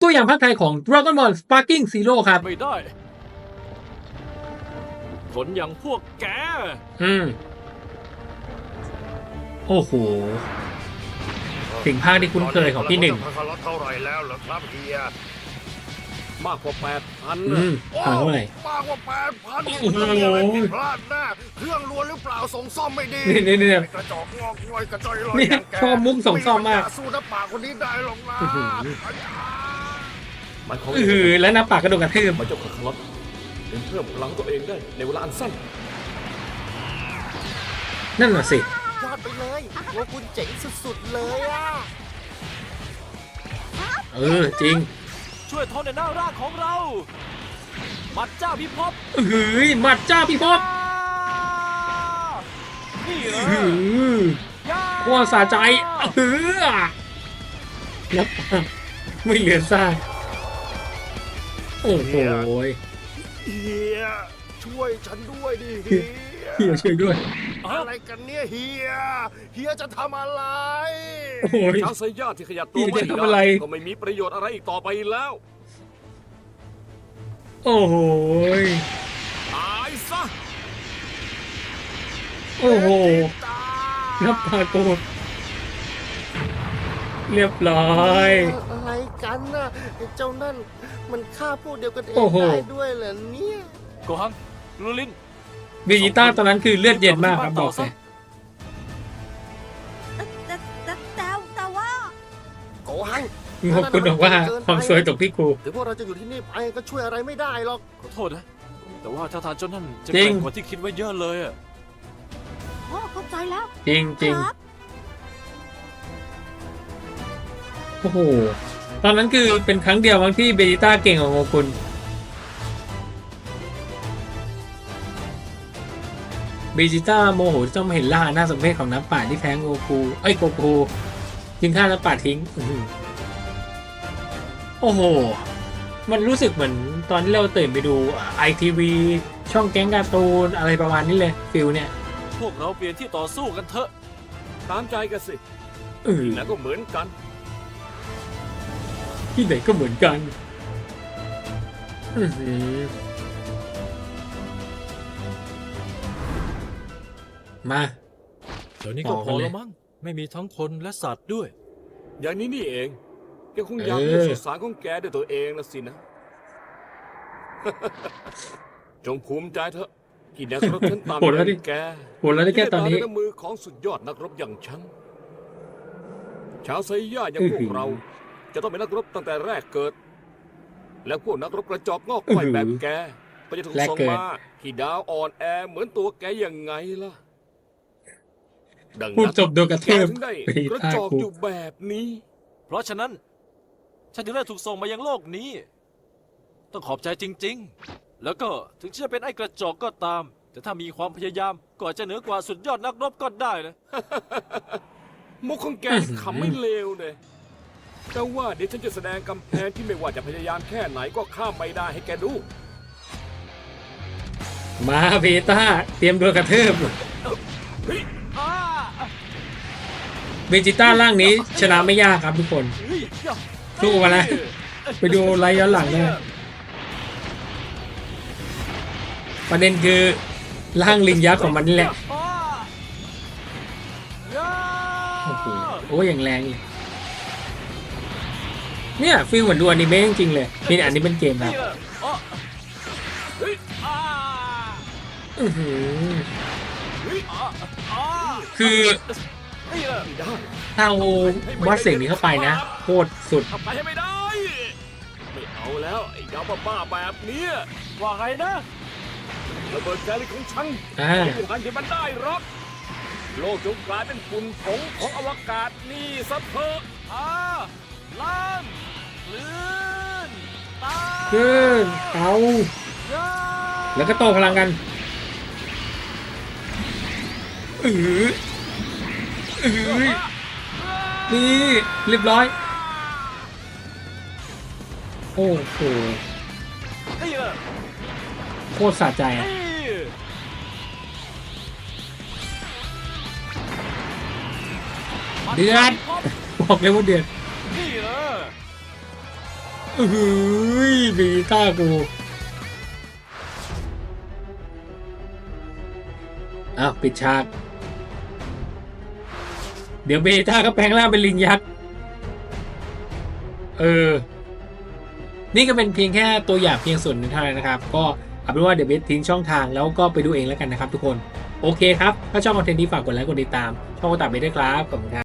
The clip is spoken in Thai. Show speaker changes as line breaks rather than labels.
ตัวอย่างภาคไทยของ Dragon Ball Sparking Zero ครับ
ไม่ได้คนอย่างพวกแก
โอ้โหสิ่งภาคที่คุ้นเคยของพี่หนึ่ง
เท่าไหร่แล้วเหรอครับเฮีย
มากกว่า 8,000
เท่าไหร่
มากกว่า8,000
โอ้โห
มีอะไรผิดพลาดแน่เครื่องล้วนหรือเปล่าส่งซ่อมไม่ดี
นี่
กระจอกงอกงอยกระจอยลอย
นี่
อย่างแก
ชอบมุกส่งซ่อมมาก
สู้น้ำปากคนนี้ได้หรอกนะ
มันของ
แล้วน้ำปากกระโดดกระทืบ
มันเจ้าคาคาลอตเป็นเพิ่มพลังตัวเองได้ในเวลาอันสั้น
นั่นน่ะสิ
ยอดไปเลยว่าคุณเจ๋งสุดๆเลยอ่ะ
จริง
ช่วยทนในหน้าร่างของเรา มัดเจ้าพิภพ
หมัดจ้าพี่พบ
นี่เหรอ
โคตรสะใจนับไม่เหลือซากโอ้โห
เฮียช่วยฉันด้วยดิ
เฮียช่วยด้วย
อะไรกันเนี่ยเฮียจะทำอะไร
โอ้ย
ชาวไซย่าที่ขยับตัว
พี่
ไม่
จะทำอะไร
ได้ก็ไม่มีประโยชน์อะไรอีกต่อไปแล้ว
โอ้โห
ตายซะ
โอ้โหนับปากโกรธเรียบร้อย
อะไรกันน่ะเจ้านั่นมันฆ่าพวกเดียวกันเอง
โอ้โห
ได้ด้วยเหรอเนี่ย
โกหังลูลิน
เบจิต้าตอนนั้นคือเลือดเย็นมากครับบอกเลย
แต่ว่า
โกหัง
ขอบคุณบอกว่าความสวยตกที่กู
ถึงพวกเราจะอยู่ที่นี่ไปก็ช่วยอะไรไม่ได้หรอก
ขอโทษนะ แต่ว่าถ้าทานเจ้านั่นจะ
จริ
แก
ง
ร่งกว่าที่คิดไว้เยอะเลยอะ
พ่อเข้าใจแล้ว
จริงจริง
ครับ
โอ้โห ตอนนั้นคือเป็นครั้งเดียวบางที่เบจิต้าเก่งกว่าโงกุลเบจิต้าโมโหที่ต้องมาเห็นล่าหน้าสมเพชของน้ำป่าที่แพ้โกคูจึงฆ่าน้ำป่าทิ้งโอ้โห มันรู้สึกเหมือนตอนที่เราตื่นไปดูITV ช่องแก๊งการ์ตูนอะไรประมาณนี้เลยฟิลเนี่ย
พวกเราเปลี่ยนที่ต่อสู้กันเถอะ ตามใจกันสิ
เออ
แล้วก็เหมือนกัน
ที่ไหนก็เหมือนกันมา
เดี๋ยวนี้ก็
ต่อ
พ
กัน
อ
เลย
แล้วมั้ง ไม่มีทั้งคนและสัตว์ด้วย อย่างนี้นี่เอง แกคงอยาก
เออ
เลือกสุสานของแกด้วยตัวเองละสินะ จงภูมิใจเถอะที่นักรบฉันตาม
โหดแล้วดิ
แก
โหดแล้วได้แค่ตอนนี้
ที่ได้มาด้วยมือของสุดยอดนักรบอย่างฉัน ชาวไซย่าอย่างพวกเรา จะต้องเป็นนักรบตั้งแต่แรกเกิด และพวกนักรบกระจอกงอกง่อยแบบแกก็จะถูก
แรก
ส่ง
เกิด
มาที่ดาวอ่อนแอเหมือนตัวแกยังไงล่ะ ดัง
พูด
นั้น
จบโดนกระ
แก
ทืบ
ถึงได้
เบจิ
กระ
ต้า
จอก
กู
อยู่แบบนี้ เพราะฉะนั้น ฉันถึงได้ถูกส่งมายังโลกนี้ ต้องขอบใจจริง ๆ แล้วก็ถึงจะเป็นไอ้กระจอกก็ตาม แต่ถ้ามีความพยายามก็อาจจะเหนือกว่าสุดยอดนักรบก็ได้นะ มุกของแกขำไม่เลวเลยแต่ว่าเดี๋ยวฉันจะแสดงกำแพงที่ไม่ว่าจะพยายามแค่ไหนก็ข้ามไปได้ให้แกดู
มาเบจิต้าเตรียมโดนกระทืบเบจิต้าร่างนี้ชนะไม่ยากครับทุกคน สู้มาแล้ว ไปดูไลฟ์ย้อนหลังได้ประเด็นคือร่างลิงยักษ์ของมันนี่แหละโอ้โหโอ้ยอย่างแรงเลยเนี่ยฟีลเหมือนดูอนิเมะจริงๆเลยนี่อันนี้เป็นเกมครับอื้อหือคือถ้าเอาวัดเสียงนี้เข้าไปนะโคตรสุด
ทำไปให้ไม่ได้ ไม่เอาแล้วไอ้ยาบ้าๆแบบเนี้ยว่าไงนะระเบิดแกลิของฉัน
อ่า
ไม่มีทางที่มันได้หรอกโลกจงกลายเป็นฝุ่นผงของอวกาศนี่ซะเถอะล่างคลื่นตา
ขึ้นเอาแล้วก็โตพลังกันนี่เรียบร้อยโอ้โห
นี่แหละ
โคตรสะใจอะ เดือด บอกเลยว่าเดือด
นี่แหละ
เฮ้ยบีต้ากูอ้าวปิดฉาก เดี๋ยวเบต้าก็แปลงร่างเป็นลิงยักษ์นี่ก็เป็นเพียงแค่ตัวอย่างเพียงส่วนหนึ่งเท่านั้นนะครับ ก็เอาเป็นว่าเดี๋ยวเบสทิ้งช่องทางแล้วก็ไปดูเองแล้วกันนะครับทุกคน โอเคครับ ถ้าชอบคอนเทนต์นี้ฝากกดไลค์กดติดตามช่องโอตาเบสด้วยครับขอบคุณครับ